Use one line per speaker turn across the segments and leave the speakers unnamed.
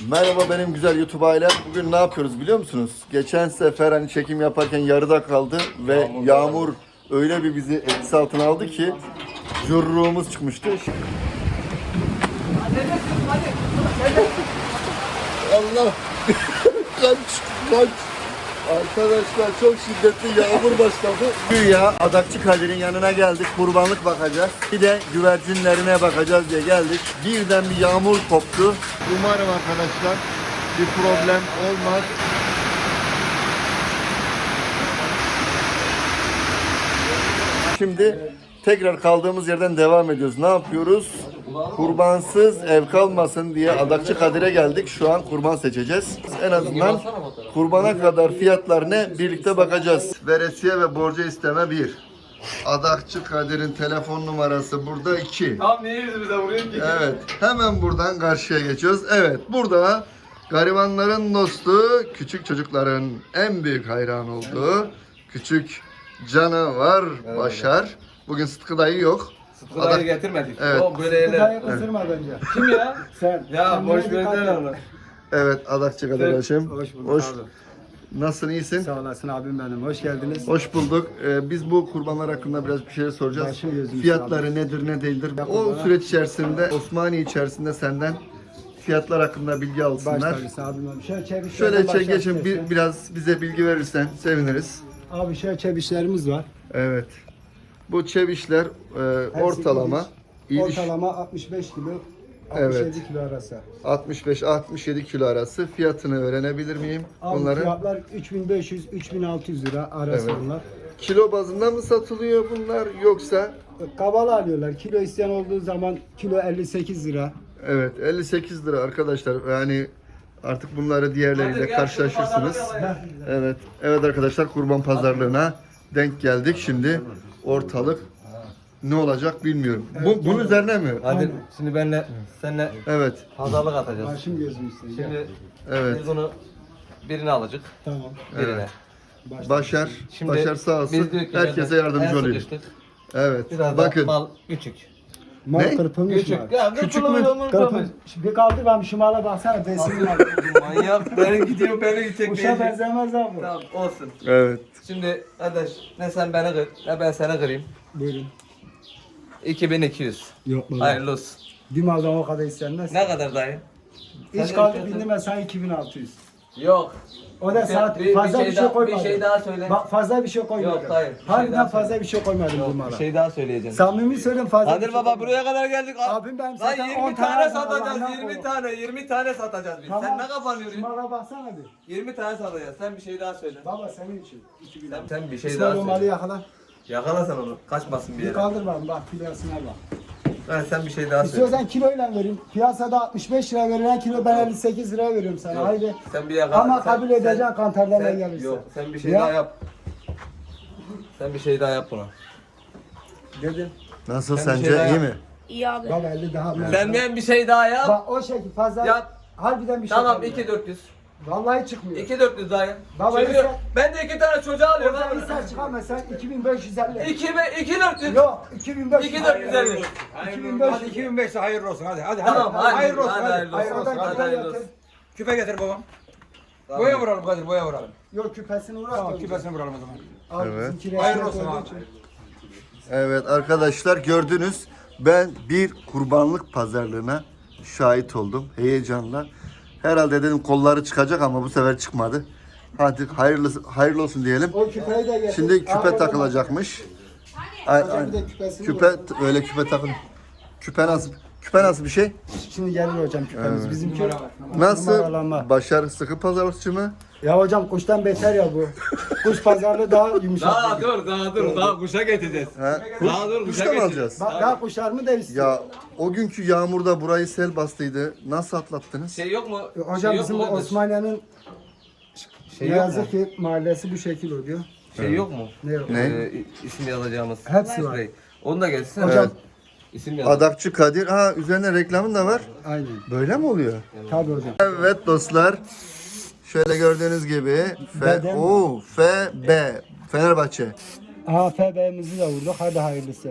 Merhaba benim güzel YouTube ailem. Bugün ne yapıyoruz biliyor musunuz? Geçen sefer hani çekim yaparken yarıda kaldı ve yağmur öyle bir bizi etkisi altına aldı ki curruğumuz çıkmıştı. Allah! kaç! Arkadaşlar çok şiddetli yağmur başladı. Güya Adakçı Kadir'in yanına geldik. Kurbanlık bakacağız. Bir de güvercinlerine bakacağız diye geldik. Birden bir yağmur koptu. Umarım arkadaşlar bir problem olmaz. Şimdi tekrar kaldığımız yerden devam ediyoruz. Ne yapıyoruz? Kurbansız ev kalmasın diye Adakçı Kadir'e geldik. Şu an kurban seçeceğiz. En azından kurbana kadar fiyatlar ne? Birlikte bakacağız. Veresiye ve borca isteme 1. Adakçı Kadir'in telefon numarası burada 2.
Tam niye yüzümüze vuruyorsun ki?
Evet. Hemen buradan karşıya geçiyoruz. Evet. Burada garibanların dostu, küçük çocukların en büyük hayran olduğu küçük canavar Başar. Bugün Sıtkı dayı yok.
Sıtkı dayı getirmedik.
Evet.
O böyle yerler.
Dayı kızdırma bence.
Kim ya?
Sen.
Ya boş
Kendine
ver
dikkat
lan
et.
onu.
Evet. Adakçı Kadir Haşim.
Hoş bulduk
Hoş.
abi.
Nasılsın? İyisin?
Sağ olasın abim benim. Hoş geldiniz.
Hoş bulduk. Biz bu kurbanlar hakkında biraz bir şeyler soracağız.
Başım gözüm
Fiyatları
üstüne
nedir ne değildir?
Ya
O
kurbana-
süreç içerisinde Osmaniye içerisinde senden fiyatlar hakkında bilgi
Baş
alsınlar.
tacısı abim benim. Şöyle çebiş.
Şöyle geçin biraz bize bilgi verirsen seviniriz.
Abi şöyle çebişlerimiz var.
Evet. Bu çevişler ortalama iyi bir
Ortalama 65 kilo.
Evet.
67 kilo arası.
65-67 kilo arası fiyatını öğrenebilir miyim?
Abi
Bunların
fiyatlar 3500-3600 lira arası
Evet.
bunlar.
kilo bazında mı satılıyor bunlar yoksa?
Kabalı alıyorlar. Kilo isteyen olduğu zaman kilo 58 lira.
Evet 58 lira arkadaşlar. Yani artık bunları diğerleriyle karşılaşırsınız. Evet. Evet arkadaşlar kurban pazarlığına denk geldik. Şimdi ortalık ne olacak bilmiyorum. Bunun üzerine mi?
Hadi şimdi seninle
Evet.
pazarlık atacağız.
Başım gözüm üstüne.
Şimdi
Evet.
biz bunu birine alacak.
Tamam.
Birine.
Başar
Şimdi
Başar sağ olsun.
biz diyor ki
Herkese
ben
yardımcı
en
oluyor.
sıkıştık.
Evet.
Biraz
Bakın.
da mal küçük.
Mal
Ne?
kırpılmış mı?
Küçük. Ya
Küçük mü?
Kırpılmış. Bir kaldı ben şu mala baksana besin var.
Manyak. Beni gidiyor beni gidecek.
Kuşa benzemez abi.
Tamam olsun.
Evet.
Şimdi kardeş ne sen beni kır ne ben seni kırayım.
Buyurun.
2200.
Yok baba.
Hayırlı olsun.
Bir maldan o kadar istenmez.
Ne kadar dayı?
Hiç
Sen
kaldı
de-
bindim ben sana 2600.
Yok.
O da saat fazla bir şey
daha,
koymadım.
Bir şey daha söyle.
Bak fazla bir şey koymadım.
Yok, hayır, bir şey
Harbiden
daha
fazla
söyle.
bir şey koymadım bu
Yok,
mala.
bir şey daha söyleyeceğim.
Samimi söyleyeyim fazla.
Kadir baba buraya kadar geldik.
Abim ben
Lan
zaten
20
10
tane
tane
satacağız.
Allah'ından
20
kork.
tane. 20 tane satacağız biz.
Tamam.
Sen ne kafanı
Şu
yoruyorsun?
mala baksana bir.
20 tane satacağız. Sen bir şey daha söyle.
Baba senin için. 2000
Sen bir şey
İsmail
daha
o malı
söyle.
yakala.
Yakala sen onu. Kaçmasın bir
Bir
yere.
kaldır bana bak kilosuna bak.
Sen bir şey daha söyle.
İstiyorsan kiloyla vereyim. Piyasada 65 lira verilen kilo ben 58 lira veriyorum sana.
Yok,
Haydi.
Sen bir yakala.
Ama
Sen-
kabul edeceksin kantarlarla
sen-
gelirse.
Yok sen bir şey
Ya.
daha yap. Sen bir şey daha yap buna.
Dedim.
Nasıl
Sen bir
sence
şey daha
iyi
yap.
mi?
İyi abi.
Bak 50 daha.
Sen ben bir şey daha yap.
Bak o şekil fazla.
Yap.
Harbiden bir şey
Tamam
koymuyor.
2400.
Vallahi çıkmıyor.
2400 daha yap.
Baba,
Çünkü
sen-
ben de 2 tane çocuğa alıyorum.
Oradan
lan.
ister çıkarma sen 2550.
2400.
Yok 2500.
2450.
2500.
Hadi 2005'te hayırlı olsun hadi hadi
Tamam
hadi.
hadi.
Hayırlı olsun hadi.
Hayırlı
Hayır
olsun.
oradan
Hadi
küpe
hayırlı
getir.
olsun.
Küpe getir babam.
Tamam.
Boya vuralım Kadir boya vuralım.
Yok küpesini uğraş.
Tamam
da önce.
küpesini vuralım o zaman.
Abi
Evet.
bizimki
Hayırlı
resmiyet
olsun
olduğu
abi.
için.
Evet arkadaşlar gördünüz. Ben bir kurbanlık pazarlığına şahit oldum. Heyecanla. Herhalde dedim kolları çıkacak ama bu sefer çıkmadı. Hadi hayırlı olsun diyelim.
O küpeyi de getir.
Şimdi
Aa,
küpe
orada
takılacakmış.
Hocam bir de küpesini
Küpe
vur.
öyle küpe takıl. Küpe nasıl bir şey?
Şimdi gelir hocam küpemiz. Bizimki
Nasıl?
numaralanma.
Başar sıkı pazarlıkçı mı?
Ya hocam kuştan beter ya bu. Kuş pazarlığı daha yumuşak.
Daha dur daha kuşa getireceğiz.
Ha?
Daha dur
Kuş da mı alacağız?
Bak daha kuşlarımı da istiyor.
Ya o günkü yağmurda burayı sel bastıydı. Nasıl atlattınız?
Şey yok mu?
Hocam
Şey yok
bizim
mu
o
kardeş?
Osmaniye'nin
Şey
ne
yok mu?
yazık ki mahallesi bu şekil oluyor.
Şey yok mu?
Ne yok?
Ne?
İsim yazacağımız.
Hepsi var.
Sprey. Onu da getirsene.
Hocam
İsim yaz.
Adakçı Kadir. Ha üzerine reklamın da var.
aynen.
Böyle mi oluyor?
Tabii hocam.
Evet dostlar. Şöyle gördüğünüz gibi
Beden.
FB Fenerbahçe.
AFB'mizi de vurduk. Hadi hayırlısı.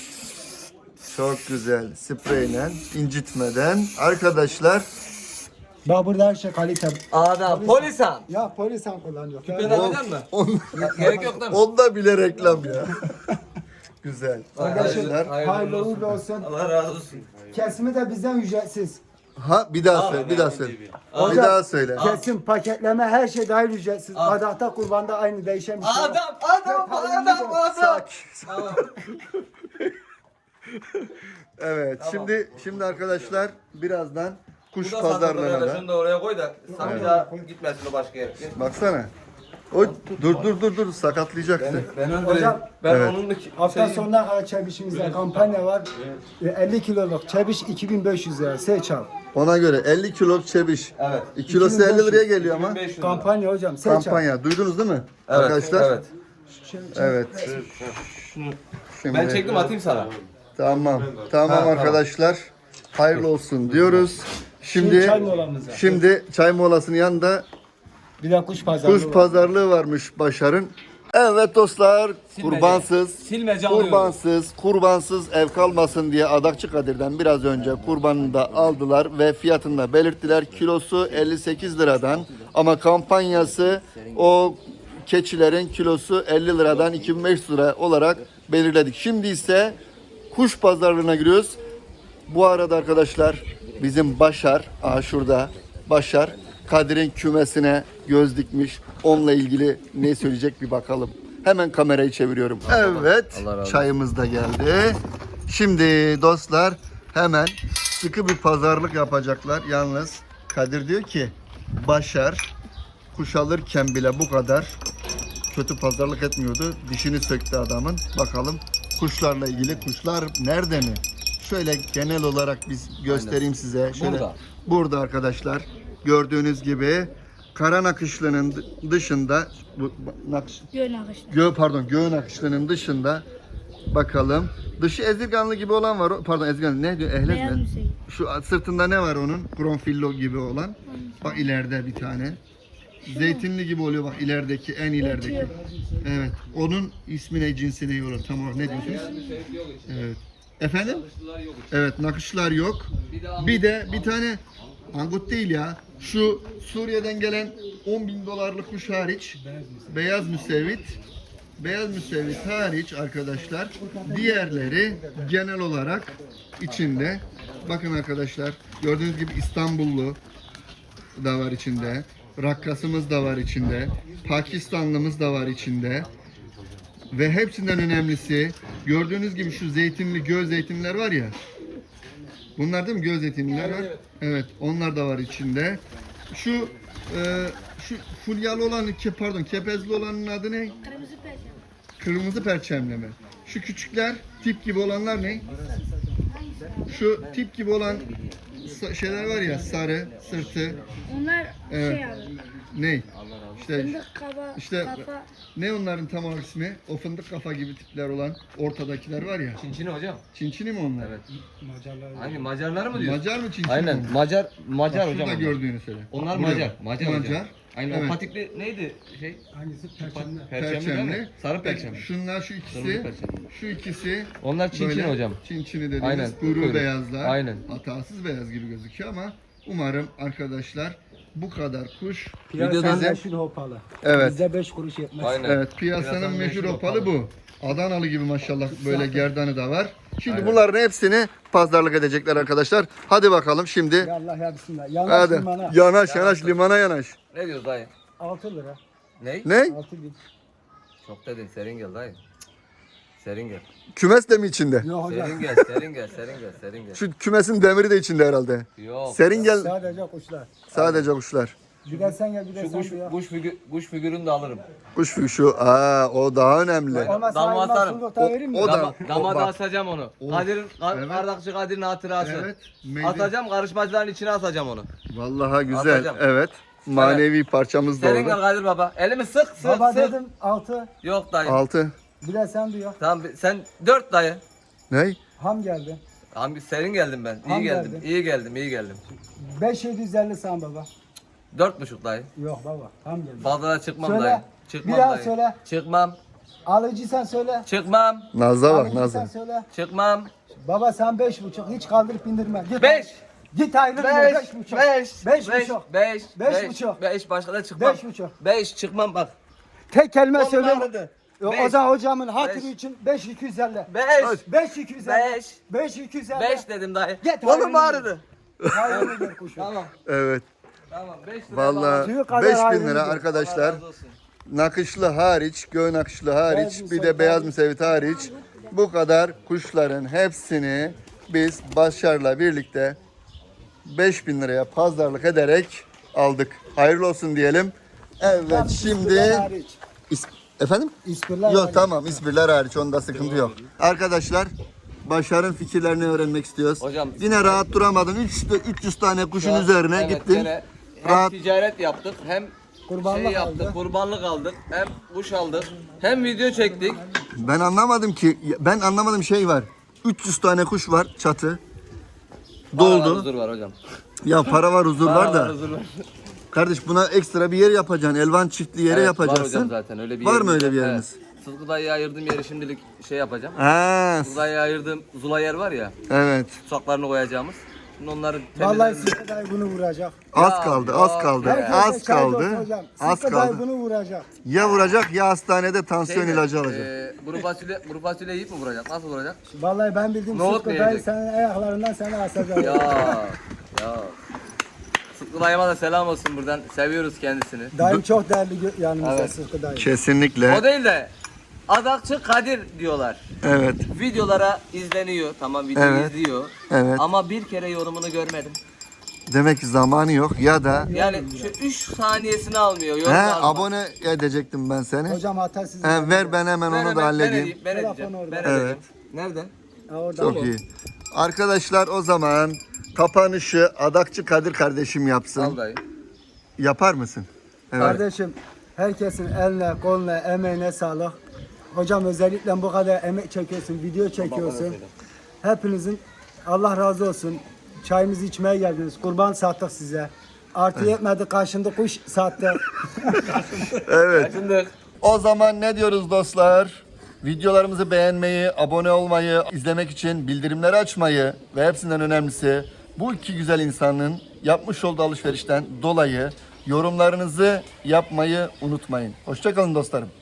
Çok güzel. Spreyle incitmeden. Arkadaşlar
Bak burada her şey kalite.
Adam polisan.
Ya polisan kullanıyor.
Ben alacak mı? Gerek yok değil mi?
Onda bile reklam ya. Güzel.
Arkadaşlar
Hayırlı
hayırlı uğurlu olsun.
Allah razı olsun.
Kesimi de bizden ücretsiz.
Ha bir daha söyle, bir daha söyle. Bir
Hocam,
daha söyle.
Kesim, paketleme her şey dahil ücretsiz. Adakta kurbanda aynı değişen bir şey yok.
Adam.
Sakin.
Tamam.
Evet, şimdi arkadaşlar birazdan kuş
Bu da satılır
pazarlarına
öyle.
da.
Şunu da oraya koy da sen bir daha gitmesin o başka yere.
Baksana. O dur sakatlayacaktı.
Ben
Hocam,
ben
evet.
onun
Hafta sonuna kadar çebişimizde kampanya var. 50 kiloluk çebiş 2500 lira. Seç al.
Ona göre 50 kilo çebiş.
Evet.
2 kilosu 50 liraya geliyor ama.
1500 lira.
Kampanya hocam. Seç al.
Kampanya. Duydunuz değil mi?
Evet,
Arkadaşlar.
Evet.
Evet. Şimdi,
Ben çektim atayım sana.
Tamam
tamam.
arkadaşlar. Hayırlı olsun diyoruz.
Şimdi çay molamıza.
Şimdi çay molasının yanında
Bir de kuş pazarlığı
kuş
var.
pazarlığı varmış Başar'ın. Evet dostlar, kurbansız ev kalmasın diye Adakçı Kadir'den biraz önce kurbanını da aldılar ve fiyatını da belirttiler. Kilosu 58 liradan ama kampanyası o keçilerin kilosu 50 liradan 2500 lira olarak belirledik. Şimdi ise kuş pazarlığına giriyoruz. Bu arada arkadaşlar bizim Başar, şurada Başar Kadir'in kümesine göz dikmiş. Onunla ilgili ne söyleyecek bir bakalım. Hemen kamerayı çeviriyorum. Evet, çayımız da geldi. Şimdi dostlar hemen sıkı bir pazarlık yapacaklar. Yalnız Kadir diyor ki Başar kuş alırken bile bu kadar kötü pazarlık etmiyordu. Dişini söktü adamın. Bakalım kuşlarla ilgili kuşlar nerede mi? Şöyle genel olarak biz göstereyim size. Şöyle burada arkadaşlar gördüğünüz gibi kara nakışlının dışında göğün nakışlının dışında bakalım. Dışı ezirganlı gibi olan var. Pardon ezirganlı ne diyor? Ehlet mi? Şu sırtında ne var onun? Kronfillo gibi olan. Bak ileride bir tane. Zeytinli gibi oluyor bak ilerideki en ilerideki. Evet. Onun ismi ne cinsi ne olur tam olarak ne diyorsunuz? Evet. Efendim? Evet nakışlar yok. Bir de bir tane angut değil ya. Şu Suriye'den gelen 10.000 dolarlık kuş hariç beyaz müsevvit hariç arkadaşlar diğerleri genel olarak içinde. Bakın arkadaşlar gördüğünüz gibi İstanbullu da var içinde. Rakkasımız da var içinde. Pakistanlımız da var içinde. Ve hepsinden önemlisi gördüğünüz gibi şu zeytinli göz zeytinler var ya. Bunlar değil mi? Göz zeytinliler var. Evet, onlar da var içinde. Şu fulyalı olan kepezli olanın adı ne? Kırmızı perçemli mi? Şu küçükler tip gibi olanlar ne? Şu tip gibi olan şeyler var ya sarı, sırtı.
Onlar
Evet.
şey abi.
Ne? İşte
Fındık kafa, kafa.
ne onların tam olarak ismi? O fındık kafa gibi tipler olan ortadakiler var ya.
Çinçini hocam.
Çinçini mi onlar?
Evet. Hangi Macarlar mı diyorsun?
Macar mı Çinçini
Aynen.
mi?
Macar
Bak,
hocam.
şurada
onlar.
gördüğünü söyle.
Onlar
Buraya.
Macar hocam.
Macar.
Aynen
Evet.
o patikli neydi şey?
Hangisi? Perçemli.
Perçemli değil mi? Sarı perçemli.
Şunlar şu ikisi.
Kırmızı perçemli.
Şu ikisi.
Onlar Çinçini
böyle
hocam.
Çinçini dediğimiz
Aynen,
kuyruğu
kuyruk.
beyazlar.
Aynen.
Hatasız beyaz gibi gözüküyor ama umarım arkadaşlar bu kadar kuş
Piyasanın
size-
meşhur hopalı.
Evet.
Bizde 5 kuruş yetmez.
Aynen.
Evet piyasanın
Piyasanın
meşhur
meşhur
opalı bu. Adanalı gibi maşallah böyle gerdanı da var. Şimdi
Aynen.
bunların hepsini pazarlık edecekler arkadaşlar. Hadi bakalım şimdi.
Ya Allah ya bismillah. Yanaş
Hadi.
limana.
Yanaş limana yanaş.
Ne diyoruz dayı?
6 lira.
Ne?
Ne?
6 bin.
Çok dedin serin gel dayı. Serin gel.
Kümes de mi içinde?
Yok hocam.
Serin gel.
Şu kümesin demiri de içinde herhalde.
Yok.
Serin gel
Sadece kuşlar.
sadece kuşlar.
Bir de sen gel bir de
Şu
sen ya.
kuş figürünü de alırım.
Kuş şu o daha önemli.
Olmaz
Damla
sayılmaz,
atarım.
sundukta vereyim mi?
O da-
Dama da
bak.
asacağım onu.
Of.
Kadir'in,
Evet.
Ardakçı Kadir'in hatırası.
Evet.
Atacağım karışmacıların içine asacağım onu.
Vallahi güzel.
Atacağım.
Evet. Manevi parçamız da
Serin gel
orada.
Kadir baba. Elimi sık.
Baba dedim 6.
Yok dayı.
6.
Bir de sen duyuyor.
Tamam sen 4 dayı.
Ne?
Ham geldi.
Abi serin geldim ben.
Tam
İyi geldim.
geldi.
İyi geldim.
5750 sen baba.
4,5 dayı.
Yok baba. Ham geldi.
Fazla çıkmam
Söyle.
dayı. Çıkmam
Bir daha
dayı.
söyle.
Çıkmam.
Alıcı sen söyle.
Çıkmam.
Naz'a bak
Alıcı sen
Naz'a.
söyle.
Çıkmam.
Baba sen 5,5. Hiç kaldırıp indirme. Git.
5.
Git ayrıl. 5,5. 5,5.
5
5,5.
5 başka da çıkmam.
5,5.
5 çıkmam bak.
Tek kelime
Kolum
söyle.
ağrıdı.
O
Beş.
zaman hocamın hatırı
Beş.
için 5,250.
5
5,250.
5
5,250.
5 dedim dayı.
Git,
Kolum
hayır.
ağrıdı.
Hayrını gör kuşum.
Tamam.
Evet.
Tamam 5 lira.
Vallahi
Tüyü kadar
5000
ayrıldı.
lira
Allah
arkadaşlar.
razı olsun.
Nakışlı hariç, göğün nakışlı hariç,
Beyaz
bir
müsevit
de beyaz
hariç.
müsevit hariç bu kadar kuşların hepsini biz Başar'la birlikte 5000 liraya pazarlık ederek aldık. Hayırlı olsun diyelim. Evet şimdi efendim?
İspirler
Yok
hariç.
tamam İspirler hariç onda sıkıntı yok. Arkadaşlar Başar'ın fikirlerini öğrenmek istiyoruz.
Hocam,
yine rahat duramadın. 300 tane kuşun üzerine
Evet,
gittin.
gene hem
Rahat
ticaret yaptık hem
Kurbanlık
şey yaptık,
aldı.
kurbanlık aldık, hem kuş aldık, hem video çektik.
Ben anlamadım ki. Ben anlamadım şey var. 300 tane kuş var çatı.
Para var,
Doldu.
huzur var hocam.
Ya para var huzur
Para
var da.
huzur var.
Kardeş buna ekstra bir yer yapacaksın. Elvan çiftli yere
Evet,
yapacaksın.
Var hocam zaten öyle bir
Var
yerimiz
mı öyle
yok.
bir yeriniz?
Evet. Sıtkı dayıya ayırdığım yeri şimdilik şey yapacağım.
Ha,
Sıtkı dayıya ayırdığım zula yer var ya,
evet.
tutsaklarını koyacağımız. Şimdi onları
Vallahi
temizledim.
Sıtkı dayı bunu vuracak.
Az kaldı, az
ya.
kaldı.
Herkese
Az
şahit
kaldı.
olsun hocam.
Az
Sıtkı dayı
kaldı.
bunu vuracak.
Ya vuracak ya hastanede tansiyon
Şeyde,
ilacı alacak.
Kuru fasulye yiyip mi vuracak? Nasıl vuracak?
Vallahi ben bildim
Nohut
Sıtkı
mu
dayı
yiyecek?
senin ayaklarından seni asacak.
Ya. Sıtkı dayıma da selam olsun buradan. Seviyoruz kendisini.
Dayım çok değerli yanımızda
Evet.
Sıtkı dayı.
Kesinlikle.
O değil de Adakçı Kadir diyorlar.
Evet.
Videolara izleniyor. Tamam video
Evet.
izliyor.
Evet.
Ama bir kere yorumunu görmedim.
Demek ki zamanı yok ya da
Yani şu 3 saniyesini almıyor. Yorum almak.
abone edecektim ben seni.
Hocam hata sizin.
Ver ben hemen onu da halledeyim.
Ben edeceğim.
Telefonu orada.
Ben
Evet.
edeceğim. Nereden?
Ha, orada.
Çok iyi. Arkadaşlar o zaman kapanışı Adakçı Kadir kardeşim yapsın.
Al dayı.
Yapar mısın? Evet.
Kardeşim herkesin eline, koluna, emeğine sağlık. Hocam özellikle bu kadar emek çekiyorsun, video çekiyorsun. Hepinizin Allah razı olsun. Çayımızı içmeye geldiniz. Kurban sattık size. Artı yetmedi karşında kuş sattık.
Evet.
Şimdi
O zaman ne diyoruz dostlar? Videolarımızı beğenmeyi, abone olmayı, izlemek için bildirimleri açmayı ve hepsinden önemlisi bu iki güzel insanın yapmış olduğu alışverişten dolayı yorumlarınızı yapmayı unutmayın. Hoşça kalın dostlarım.